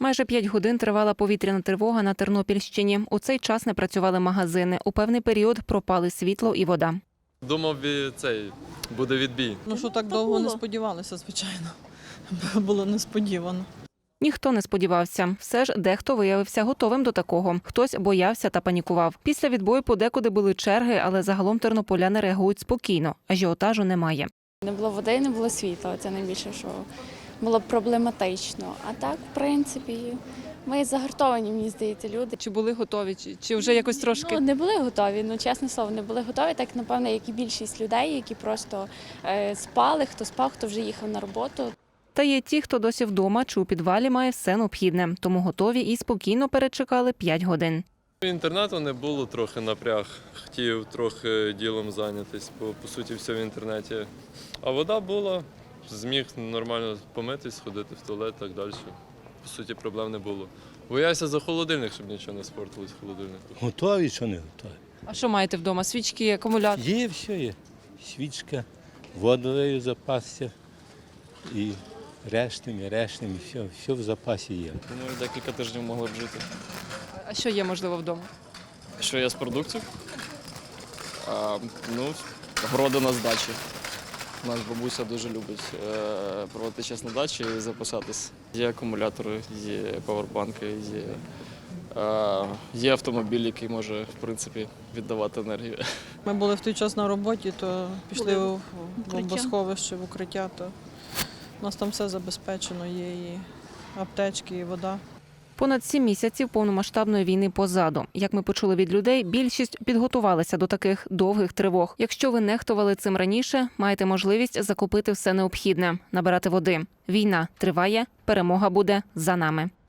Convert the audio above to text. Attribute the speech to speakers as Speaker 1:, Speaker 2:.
Speaker 1: Майже 5 годин тривала повітряна тривога на Тернопільщині. У цей час не працювали магазини. У певний період пропали світло і вода.
Speaker 2: Думав, буде відбій.
Speaker 3: Що так довго не сподівалися, звичайно. Було несподівано.
Speaker 1: Ніхто не сподівався. Все ж дехто виявився готовим до такого. Хтось боявся та панікував. Після відбою подекуди були черги, але загалом тернополяни реагують спокійно. Ажіотажу немає.
Speaker 4: Не було води, не було світла. Це найбільше, що було проблематично. А так, в принципі, ми загартовані, мені здається, люди.
Speaker 5: Чи були готові, чи вже якось трошки?
Speaker 4: Не були готові, чесне слово, не були готові. Так, напевно, як і більшість людей, які просто спали, хто спав, хто вже їхав на роботу.
Speaker 1: Та є ті, хто досі вдома чи у підвалі має все необхідне. Тому готові і спокійно перечекали 5 годин.
Speaker 2: Інтернету не було, трохи напряг. Хотів трохи ділом зайнятися, бо по суті все в інтернеті. А вода була, зміг нормально помитись, ходити в туалет і так далі. По суті, проблем не було. Боявся за холодильник, щоб нічого не спортилось в холодильнику.
Speaker 6: Готові, що не готові?
Speaker 5: А що маєте вдома? Свічки, акумулятор?
Speaker 6: Є, все є. Свічка, водою запасся і рештами, все в запасі є.
Speaker 7: Думаю, декілька тижнів могли б жити.
Speaker 5: А що є, можливо, вдома?
Speaker 7: Що є з продуктів? Городи на здачі. Наша бабуся дуже любить проводити час на дачі і запасатись. Є акумулятори, є павербанки, є автомобіль, який може, в принципі, віддавати енергію.
Speaker 3: Ми були в той час на роботі, то пішли в бомбосховище, в укриття, то у нас там все забезпечено, є і аптечки, і вода.
Speaker 1: Понад 7 місяців повномасштабної війни позаду. Як ми почули від людей, більшість підготувалися до таких довгих тривог. Якщо ви нехтували цим раніше, маєте можливість закупити все необхідне, набирати води. Війна триває, перемога буде за нами.